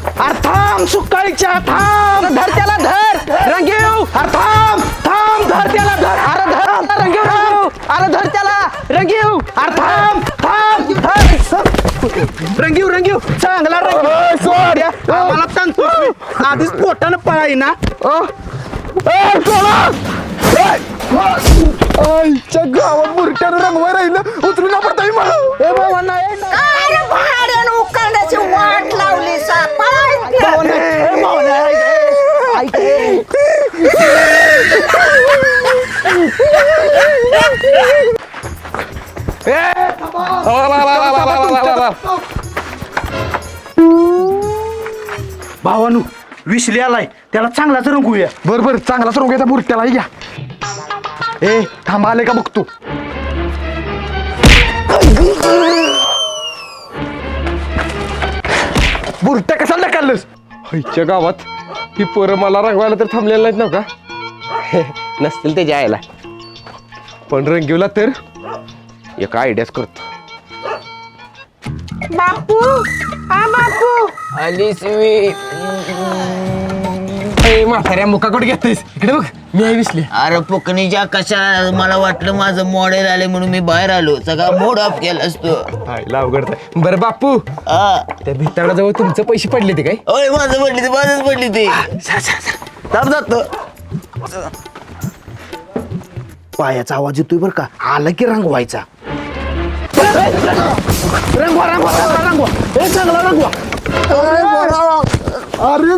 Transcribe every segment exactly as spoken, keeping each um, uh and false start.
अरे थांब सुकाळीच्या थांब धर त्याला धर रंगीव अरे थांब थांब धर त्याला धर अरे धर रंगीव रंगीव अरे धर त्याला रंगीव अरे थांब थांब धर रंगीव रंगीव चांगला रंगीव मला सांगतो आधीच पोटानं पळाई ना आईच्या गावात बुरट्यानं रंगवा राहिलं उतरून ना पडता मला ए बाबा नाही अरे भाड्यानं उकळण्याची वाट लावली भावानू विसले आलाय त्याला चांगलाच रंगूया बर बर चांगलाच रंगायचा बुरट्याला घ्या ए थांबा आले का बघतो बुरट्या कशाला काढलंस आईच्या गावात ही पोरं मला रंगवायला तर थांबलेलं नाहीत ना का नसतील ते जायला पण रंगीवला तर एक आयडियाच करतो बापू हा बापू आलीस मी म्हाताऱ्या मुकाकडे घेतोयस इकडे बघ मी आई विसले अरे पुकणीच्या कशा मला वाटलं माझं मॉडेल आले म्हणून मी बाहेर आलो सगळा मूड ऑफ केला असतो आईला अवघड बरं बापू हा त्या भिताडाजवळ तुमचं पैसे पडले ते काय ओय माझं पडली ते माझंच पडली ते थांब जातो पायाचा आवाज येतोय बर का आला की रंगवायचा रंगवा रंगवा रंगवा रंगवा हे चांगला रंगवा अरे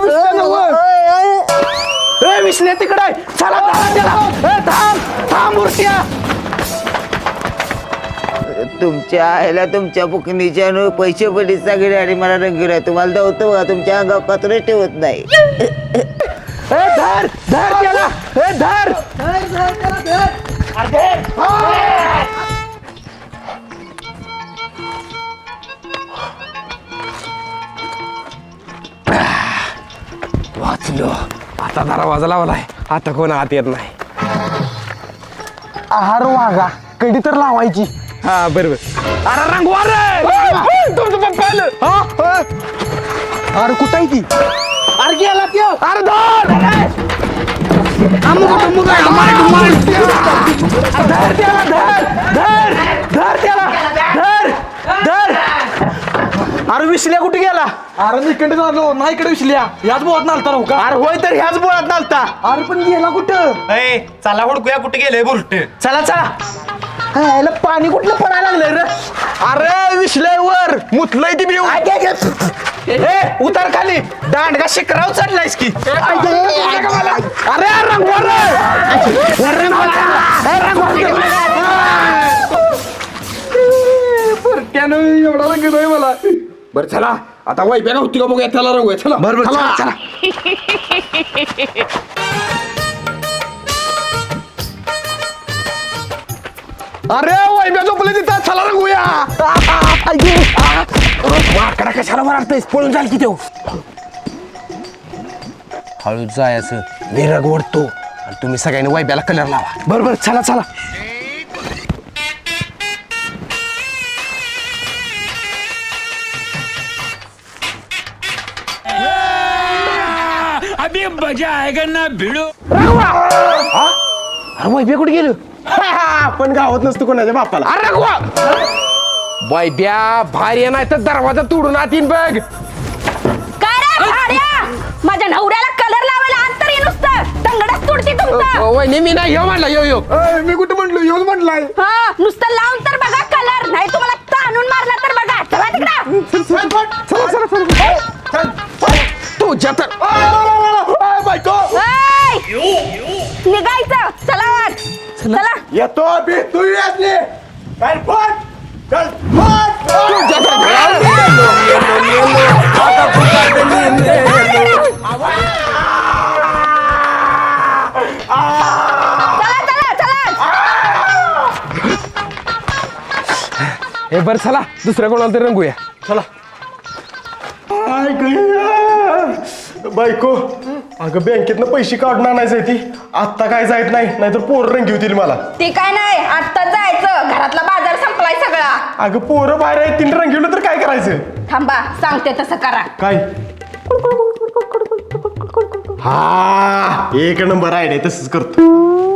ए विसले तिकडे चला चला चला ए थांब थांब मूर्त्या तुमच्या आईला तुमच्या पुकणीच्या नो पैसे पडले सगळे आणि मला रंगीला तुम्हाला धावतो बघा तुमच्या अंगावर कचरे ठेवत नाही ए धर धर त्याला ए धर अरे धर. वाचलो आता दरवाजा लावलाय आता कोण आत येत नाही आहार वागा कधी तर लावायची हा बरोबर अरे रंगवा रे तुमचं पप्पा आलं हा अरे कुठं आहे ती अरे गेला त्यो अरे धर अमुक अमुक धर त्याला धर धर धर त्याला धर धर अरे विसल्या कुठे गेला अरे मी इकडे झालो नाही इकडे विसल्या याच बोलत नालता राहू का अरे होय तर ह्याच बोळात नालता अरे पण गेला कुठं ए चला हुडकूया कुठे गेले बुरट चला चला हा, याला पाणी कुठलं पडायला लागलंय रे अरे विसल्यावर मुतलंय ती बिव आय, घे, घे. ए उतार खाली दांडगा शिकराव चढलायस की अरे रंगवा रे रंगवा ए, रंगवा त्यानं एवढा रंग नाही मला बरं चला आता वाईप्या होती का बघूया त्याला रंगूया चला बरोबर चला चला अरे वाईप्या झोपले तिथं चला रंगूया माकडा कशाला मारतोयस पळून जाल की तो हळूच जायचं विरग ओढतो आणि तुम्ही सगळ्यांनी वायब्याला कलर लावा बरोबर चला चला अरे वायब्या कुठे गेलो आपण गावात नसतो कोणाच्या बापाला अरे रघुवा वायब्या भारी नाही तर दरवाजा तोडून आत येईन बघ काय रे भाड्या माझ्या नवऱ्याला कलर लावायला अंतर ये नुसतं तंगडच तुडती तुमचा वहिनी मी नाही यो म्हणला यो यो ए, मी कुठं म्हणलो येऊन म्हटलाय हा नुसतं लावून तर बघा कलर नाही तुम्हाला ताणून मारला तर बघा चला तिकडं चला चला चला तुझ्या तर बायको ऐ! निघायचं चला वाट चला येतो बी तू येतली चल पण चल तुझ्या तर चला चला चला हे बरं चला दुसऱ्या कोणाला तरी रंगूया चला बायको अगं बँकेतनं पैसे काढून आणायचं ती आत्ता काय जायत नाही नाहीतर पोरं रंगी होतील मला ते काय नाही आत्ता जायचं घरातला बाजार संपलाय सगळा अगं पोरं बाहेर आहेत तिने रंगवलं तर काय करायचं थांबा सांगते तसं करा काय हा एक नंबर आयडिया तसंच करतो.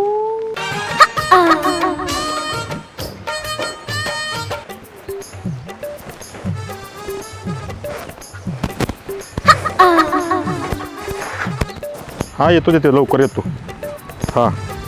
हा येतो येतो लवकर येतो. हा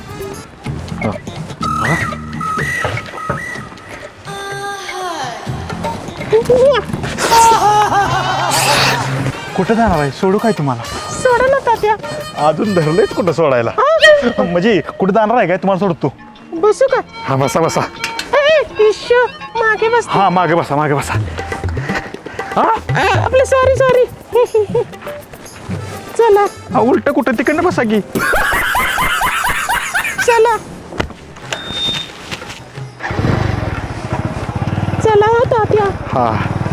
कुठं जाणार आहे? सोडू काय तुम्हाला? सोडा ना तात्या. अजून धरलंयच कुठं सोडायला? म्हणजे कुठं जाणार आहे काय तुम्हाला सोडतो? बसू का? हा बसा बसा. ए, इश्शो, मागे बस. हा मागे बसा मागे बसा. हा आपलं सॉरी सॉरी. चला हा, उलट कुठं तिकडनं बसा की. चला चला हो तात्या. हा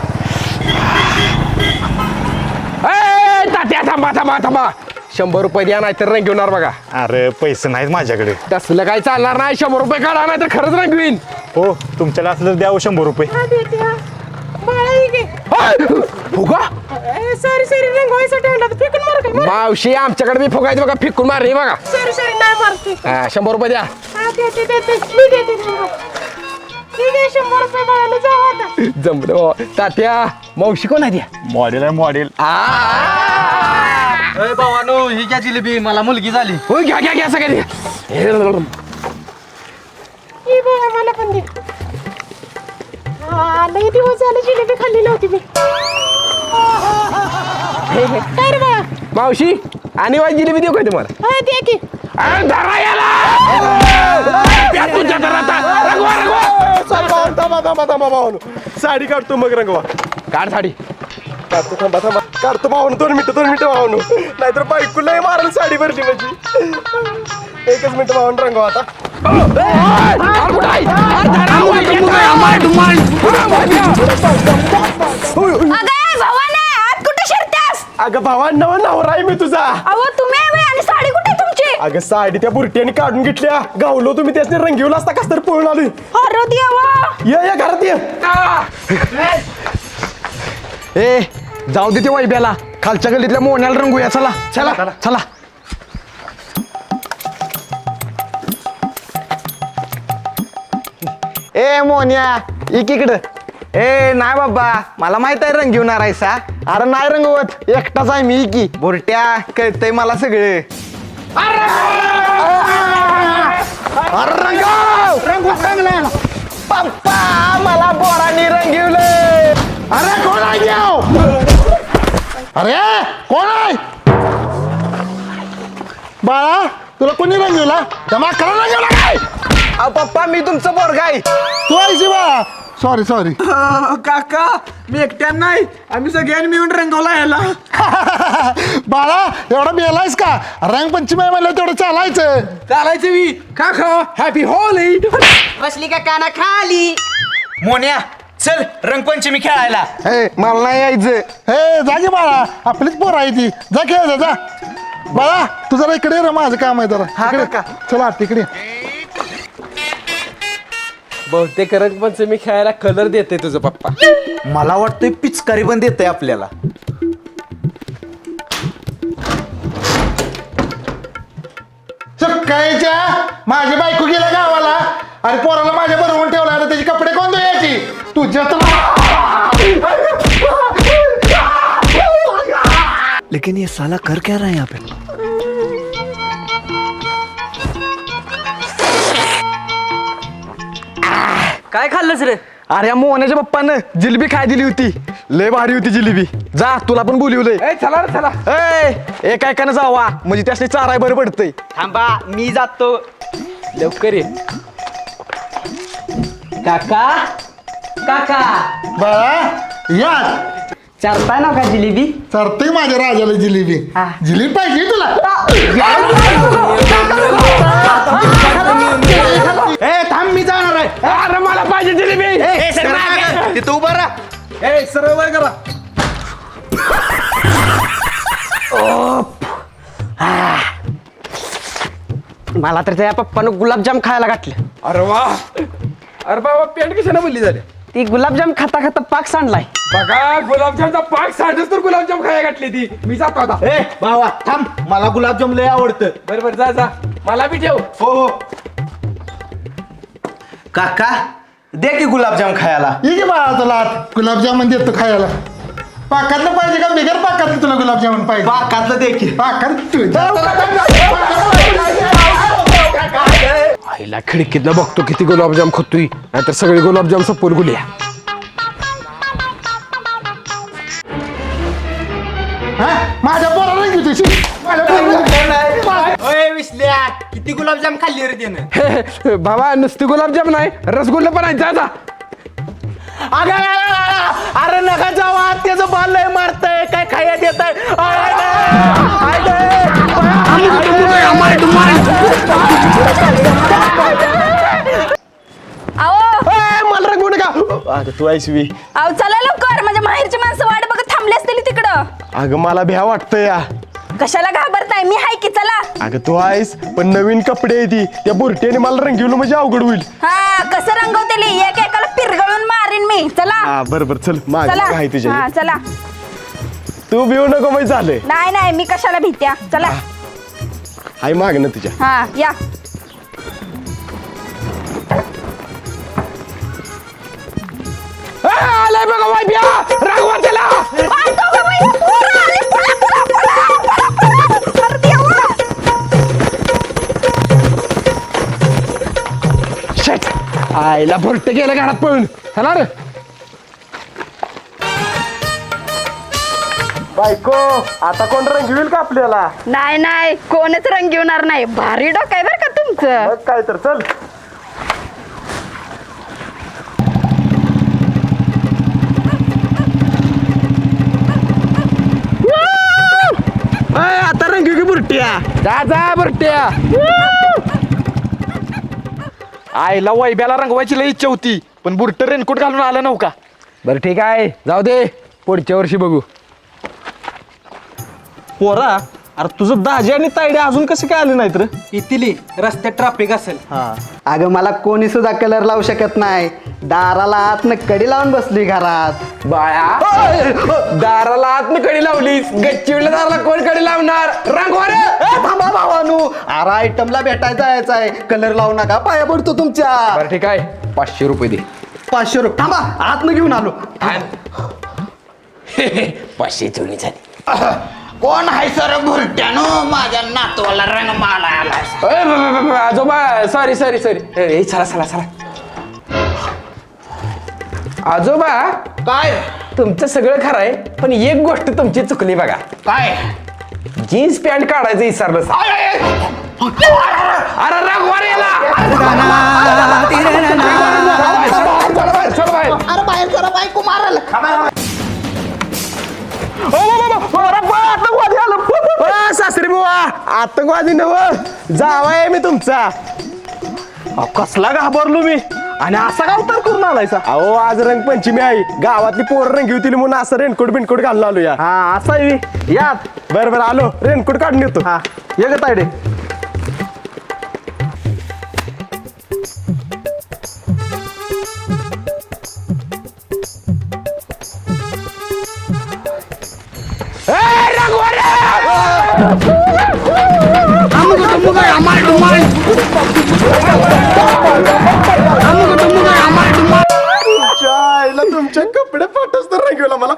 ए, तात्या थांबा थांबा थांबा. शंभर रुपये द्या नाही तर रंग घेणार बघा. अरे पैसे नाहीत माझ्याकडे. तसलं काही चालणार नाही. शंभर रुपये काढा नाही तर खरंच रंग घेईन. हो तुमच्याला असलं तर द्यावं शंभर रुपये. हा देत्या. बाळा ही घे. फुगा सॉरी सॉरी रंगवायसाठी आणला तर फेकून मार काय? मावशी आमच्याकडे बी फुगायचं बघा. फिकून मारली बघा. सॉरी सॉरी नाही मारते. हा, शंभर रुपये द्या. हा देते देते मी देते रंगवा. ठीक आहे शंभर रुपये बाळाला जाऊ आता. जमलं हो. तात्या मावशी कोण आहे द्या. मॉडेल आहे मॉडेल. भावानो ही घ्या जिलेबी मला मुलगी झाली. हो घ्या घ्या घ्या सगळे. ही बाळा मला पण दे. हा लई दिवस झाले जिलेबी खाल्ली नव्हती मी. काय रे बाळा? मावशी आणि वाई जिलेबी देऊ काय तुम्हाला? हा दे की. अरे धरा याला. प्या तुझ्या घरात. रंगवा रंगवा. थांबा थांबा थांबा भावानो, साडी काढतो मग रंगवा. काढ साडी. काढतो थांबा थांबा काढतो भावानो. दोन मिनिटं दोन मिनिटं भावानो, नाहीतर बायकोलाही मारेल साडी भरली म्हणजे. एकच मिनिट भावानो रंगवा आता. अरे कुठं आहे? अरे धरा वाई येतोय. मार, मार. अगं भावाने आत कुठे शिरत्यास? अगं भावांना नवरा आहे मी तुझा. अहो तुम्ही आहे आणि साडी कुठे आहे तुमची? अगं साडी त्या बुरट्याने काढून घेतल्या. गावलो तुम्ही त्यासने रंगीवला असता कस तर पळून आलोय. अरे देवा. ये या घरात ये. ए जाऊ दे ते वैब्याला. खालच्या गल्लीतल्या मोन्याला रंगूया. चला चला चला. ए मोन्या इकडं. ए नाही बाबा मला माहित आहे रंग घेऊन राहायचा. अरे नाही रंगवत एकटाच आहे मी की. बुरट्या कळतंय मला सगळे. अरे रंगव रंगव रंगला पप्पा मला बोरानी रंगवलंय. अरे कोण आहे देव? अरे कोण आहे? बाळा तुला कोणी रंगवला? जमा करा रंगवला काय? अहो पप्पा मी तुमचं पोरगा आहे. तू आहेस बाळा. Sorry sorry. काका मी एकट्यान नाही आम्ही सगळ्यांनी मिळून रंगवला याला. बाळा एवढा मेलायस का? रंगपंचमी आहे म्हणलं तेवढं चालायचं. चालायचं मी काका. हॅपी होली. बसली का काना खाली. मोन्या चल रंगपंचमी खेळायला. ए मला नाही यायचं. ए जा की बाळा आपलीच पोर आहे ती. जा खेळ जा. बाळा तू जरा इकडे ये रे, माझं काम आहे जरा. हा, इकडे. काका. चला तिकडे. बहुतेक रंगपंचमी खेळायला कलर देते तुझं पप्पा. मला वाटतंय पिचकारी पण देत आपल्याला. सकाळीच्या माझी बायको गेल्या गावाला आणि पोराला माझ्या बरोबर ठेवला. आता त्याचे कपडे कोण धुयाची? तुझ्या लेकिन ये साला कर क्या रहा है यहाँ पे? काय खाल्लंस रे? अरे या मोहनाच्या पप्पानं जिलेबी खाय दिली होती. लय भारी होती जिलेबी. जा तुला पण बोलिवलंय. ए चला रे चला. ए एका एकानं जावा म्हणजे त्यासनी चाराय बरं पडतंय. थांबा मी जातो. लवकर ये. काका काका बाळा या चारताय ना का जिलेबी? चरते माझ्या राजाला जिलेबी. जिलेबी पाहिजे तुला? ए थांब मी जाणार आहे. अरे मला पाहिजे जिलेबी. तिथं उभा राहा. ए सरळ वर करा. मला तर त्या पप्पानं गुलाबजाम खायला घातले. अरे वा. अरे बाबा पेंट कशाने बोलली झाली. ती गुलाबजाम खाता खाता पाक सांडलाय. बघा गुलाबजामचा पाक सांडच तर गुलाबजाम खायला घातली ती. मी जातो आता. ए भावा थांब मला गुलाबजाम लय आवडतं. बरं बरं जा जा मला बी ठेव. हो हो काका दे की गुलाबजाम खायला. ये की बाळा तुला गुलाबजामुन देतो खायला. पाकातलं पाहिजे का बिगर पाकातलं तुला गुलाबजामुन पाहिजे? पाकातलं दे की. पाकात तू आईला खिडकीतनं बघतो किती गुलाबजाम खातोय नाहीतर सगळे गुलाबजाम सपोर गुल्या. हा माझ्या पोराला घेऊ तुझी माझ्या पोराला ओय विसल्या किती गुलाबजाम खाल्ली रे त्यानं. बाबा नुसती गुलाबजाम नाही रसगुल्ला पण आहे जा जा. अरे नका जावा त्याचं बाल लय मारतय काय खायला देत अहो मला रंगवू नका. अगं तू आहेस वी. अहो चला लवकर माझ्या माहेरची माणसं वाट बघत थांबली असतील तिकडं. अगं मला भ्या वाटतं या. कशाला घाबरताय मी हाय की चला. अगं तू आहेस पण नवीन कपडे आहे ती त्या बुरट्याने मला रंगवलं म्हणजे अवघड होईल. हा कसं रंगवतेली एक एकाला पिरगळून मारीन मी. चला हा बरं बरं चल माझी चला आहे तुझ्या. हा चला. तू भिऊ नको माहिती झालंय. नाही नाही मी कशाला भीत्या. चला हाय माग ना तुझ्या. हा या. आलाय बघा वाईब्या रागवा त्याला. आय, दोघं बाई, पोरं आली, पळा, पळा, पळा, पळा, पळा. अरे देवा. शेट आईला भरट गेलं घरात पळून. चला रे. बायको आता कोण रंगविल का आपल्याला? नाही नाही कोणच रंग घेणार नाही. भारी डोकं आहे बरं का तुमचं. मग काय तर चल. आता रंगीव की बुरट्या. जा जा भरट्या. आईला वैब्याला रंगवायची लई इच्छा होती पण बुरट रेनकोट घालून आलं नव्हता. बरं ठीक आहे जाऊ दे पुढच्या वर्षी बघू. पोरा अरे तुझं दाजी आणि तायडे अजून कसे काय आले नाहीत रे? इथिली रस्त्यात ट्रॅफिक असेल. अगं मला कोणी सुद्धा कलर लावू शकत नाही. दाराला आतनं कडी लावून बसली घरात. बाळा दाराला आतनं कडी लावलीस गच्चीवल्या दाराला कोण कडी लावणार. रंगवा रे. ए, थांबा भावानू अरे आयटमला भेटायला जायचं आहे. कलर लावू नका पाया पडतो तुमच्या. बरं ठीक आहे पाचशे रुपये दे. पाचशे रुपये थांबा आतनं घेऊन आलो. पाचशे चोरी झाली. कोण आहे सर भुरट्यानो माझ्या नातवाला रंग माला आला. आजोबा सॉरी सॉरी सॉरी चला चला चला. आजोबा काय तुमचं सगळं खरं आहे पण एक गोष्ट तुमची चुकली बघा. काय जीन्स पॅन्ट काढायचं विसरलं. अरे रंगवा रे याला. चल बाहेर, चल बाहेर. अरे बाहेर जरा बायको मारल. आतंकवादी आलं. सासरी बुवा आतंकवादी नव जावाय मी तुमचा. अहो, कसला घाबरलो मी आणि असा का उतार करून आलायचा? अहो आज रंगपंचमी आहे गावातली पोरं रंगवतील म्हणून असं रेनकोट बिनकोट घालून आलो या. हा असा आहे बी. यात बरं बरं आलो रेनकोट काढून येतो. हा ये ग तायडे. तुमच्या आईला तुमच्या कपडे फाटच तर रंगवला मला.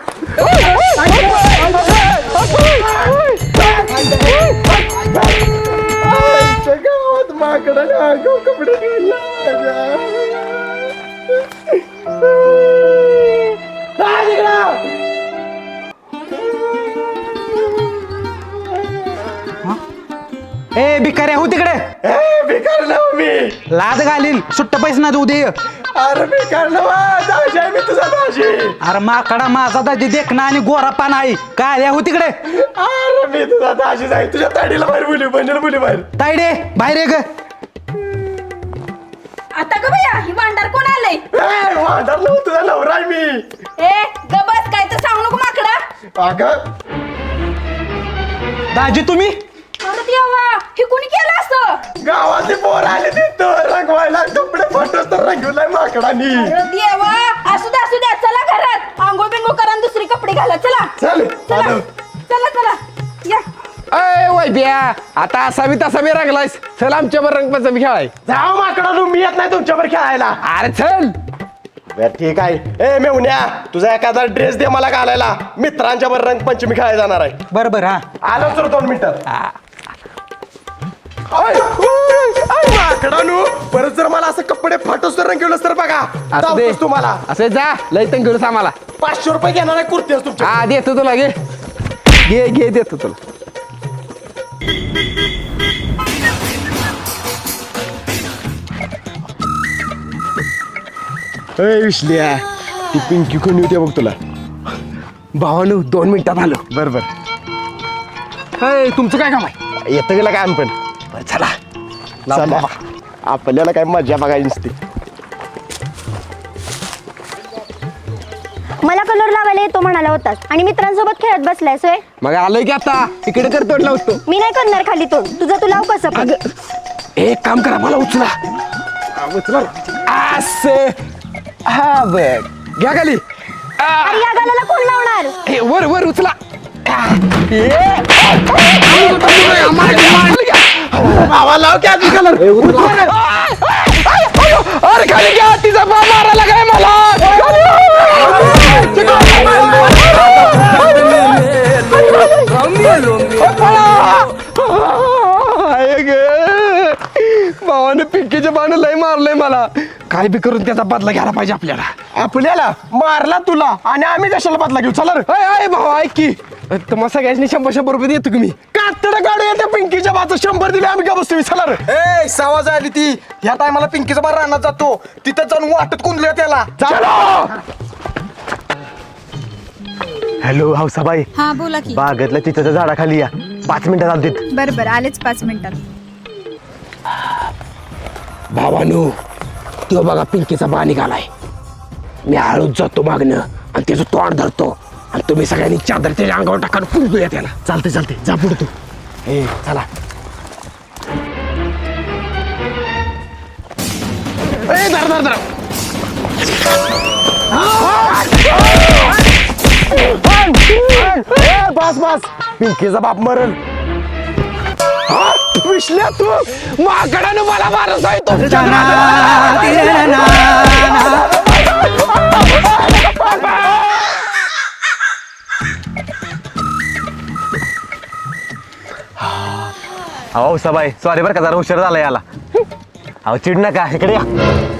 आईच्या गावात माकडा आगाऊ कपडे घालला. ए भिकाऱ्या हो तिकडे. ए, भिकार नव मी. लाद घालील सुट्ट पैसे ना देऊ दे. अरे भिकार नव दाजी आहे मी तुझा दाजी. अरे माकडा माझा दाजी देखना आणि गोरा पान आहे. काय हो तिकडे. अरे मी तुझा दाजी जाईल तुझ्या ताडीला बाहेर बोली बंजल बोली बाहेर. तायडे बाहेर ये ग. आता ग भैया ही भांडार कोण आलंय? ए, वांडार नव तुझा नवरा आहे मी. ए गबस काय तर सांगू नको माकडा. अगं दाजी तुम्ही अरे देवा हे कोणी केलं असं? गावातली पोर आली तिथं रंगवायला कपडे फाटच तर रंगवलाय माकडानी. अरे देवा असू द्या असू द्या चला घरात आंघोळ बिंगोळ करा आणि दुसरी कपडे घाला चला चल चला आलो. चला चला या अय वैद्या आता असा मी तसा मी रंगलायस चल आमच्यावर रंगपंचमी खेळाय जाऊ माकडा मी येत नाही तुमच्यावर खेळायला. अरे चल बर ठीक आहे. ए मेवण्या तुझा एखादा ड्रेस दे मला घालायला. मित्रांच्या बर रंगपंचमी खेळायला जाणार आहे. बरं बरं हा आलो तर दोन मिनिटात. आय, उय, आय, माकडानू परत जर मला असं कपडे फाटूस तर रंगवलंस तर बघा असं दे दावतोस तुम्हाला असं जा लय घेऊन आम्हाला पाचशे रुपये घेणार आहे कुर्ती तुमच्या. हा देतो तुला घे घे घे देतो तुला ए विश्लिया ती पिंकी कोणी होती बघ तुला. भावानू दोन मिनिटात आलो बर बर अय तुमचं काय काम आहे येतं गेला काय पण बरं, चला चला. आपल्याला काय मजा बघायची नसते. मला कलर लावायला येतो म्हणाला होतास आणि मित्रांसोबत खेळत बसलाय सोय. मग आलोय की आता इकडे कर तोड लावतो मी नाही करणार खाली तोड तुझं तू लाव कसं पण. एक काम करा मला उचला असे हा बघ घ्या खाली आ, अरे या गाण्याला कोण लावणार. हे, वर वर उचला अरे खाली घ्या तिचा बाप मारायला काय मला भावाने पिंकीच्या बाण लय मारलंय मला काय बी करून त्याचा बदला घ्यायला पाहिजे आपल्याला आपल्याला मारला तुला आणि आम्ही कशाला बदला घेऊ. चला रे. अय अय भाऊ ऐक की तुम्हाला सगळ्यांनी शंभर शंभर रुपये देतो तुम्ही कातड गाडी येते पिंकीच्या बाजू शंभर दिले आम्ही का बसतो. चला रे. ए सावाज आली ती ह्या टायमाला पिंकीचा बार रानात जातो तिथं जाऊन वाटत कुंदल्या त्याला. हॅलो हौसाबाई हा बोला की बागेतल्या तिथं झाडाखाली या पाच मिनिटात आलतीत. बरं बरं आलेच पाच मिनिटात. भावानो तो बघा पिंकीचा बा निघालाय मी हळूच जातो मागणं आणि त्याचं तोंड धरतो आणि तुम्ही सगळ्यांनी चादर त्याच्या अंगावर टाकान पुरतोया त्याला चालते चालते जा पुढे तू. ए चला. ए धर धर धर ए, बस बस पिंकीचा बाप मरण. विसल्या तू माकडानं मला मारत आहे तो अहो हौसाबाई सॉरी बरं का जरा उशीर झाला याला. अहो चिड नका इकडे या.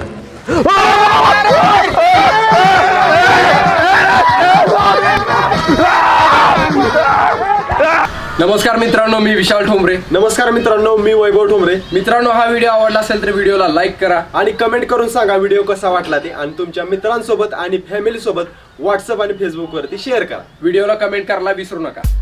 नमस्कार मित्रांनो मी विशाल ठोंबरे. नमस्कार मित्रांनो मी वैभव ठोंबरे. मित्रांनो हा व्हिडिओ आवडला असेल तर व्हिडिओला लाईक करा आणि कमेंट करून सांगा व्हिडिओ कसा वाटला ते आणि तुमच्या मित्रांसोबत आणि फॅमिली सोबत व्हॉट्सअप आणि फेसबुक वरती शेअर करा. व्हिडिओला कमेंट करायला विसरू नका.